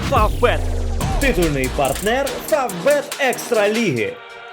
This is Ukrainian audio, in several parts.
Фавбет – титульний партнер Фавбет Екстра Ліги.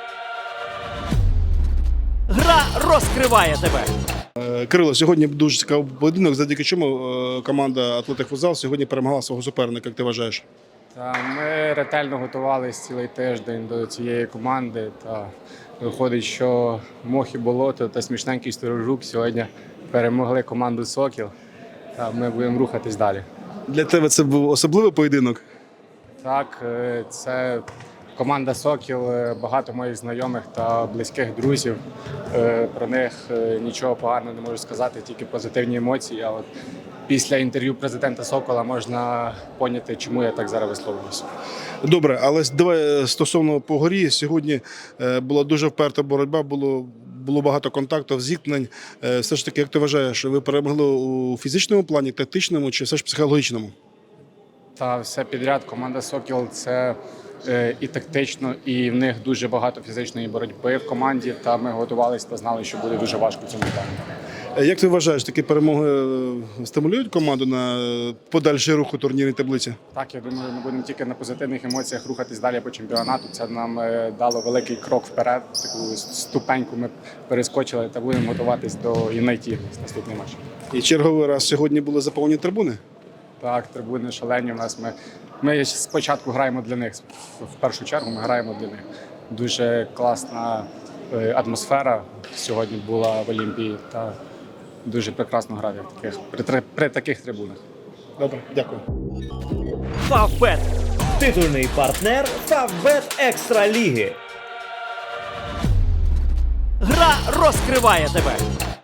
Гра розкриває тебе. Кирило, сьогодні дуже цікавий поєдинок, завдяки чому команда «Атлетик Футзал» сьогодні перемогла свого суперника, як ти вважаєш? Ми ретельно готувалися цілий тиждень до цієї команди. Та виходить, що Мох і Болото та смішненький Сторожук сьогодні перемогли команду «Сокіл». Та ми будемо рухатись далі. Для тебе це був особливий поєдинок? Так, це команда «Сокіл», багато моїх знайомих та близьких друзів. Про них нічого поганого не можу сказати, тільки позитивні емоції. А от після інтерв'ю президента «Сокола» можна поняти, чому я так зараз висловлююся. Добре, але давай стосовно по горі. Сьогодні була дуже вперта боротьба, було багато контактів, зіткнень. Все ж таки, як ти вважаєш, ви перемогли у фізичному плані, тактичному чи все ж психологічному? Та все підряд. Команда «Сокіл» – це і тактично, і в них дуже багато фізичної боротьби в команді. Та ми готувалися та знали, що буде дуже важко в цьому плані. Як ти вважаєш, такі перемоги стимулюють команду на подальший рух у турнірній таблиці? Так, я думаю, ми будемо тільки на позитивних емоціях рухатись далі по чемпіонату. Це нам дало великий крок вперед, таку ступеньку ми перескочили та будемо готуватись до Юнайтів наступний матч. І черговий раз сьогодні були заповнені трибуни? Так, трибуни шалені у нас. Ми спочатку граємо для них, в першу чергу ми граємо для них. Дуже класна атмосфера сьогодні була в Олімпії та дуже прекрасно грати при таких трибунах. Добре, дякую. Фавбет – титульний партнер Фавбет Екстра Ліги. Гра розкриває тебе.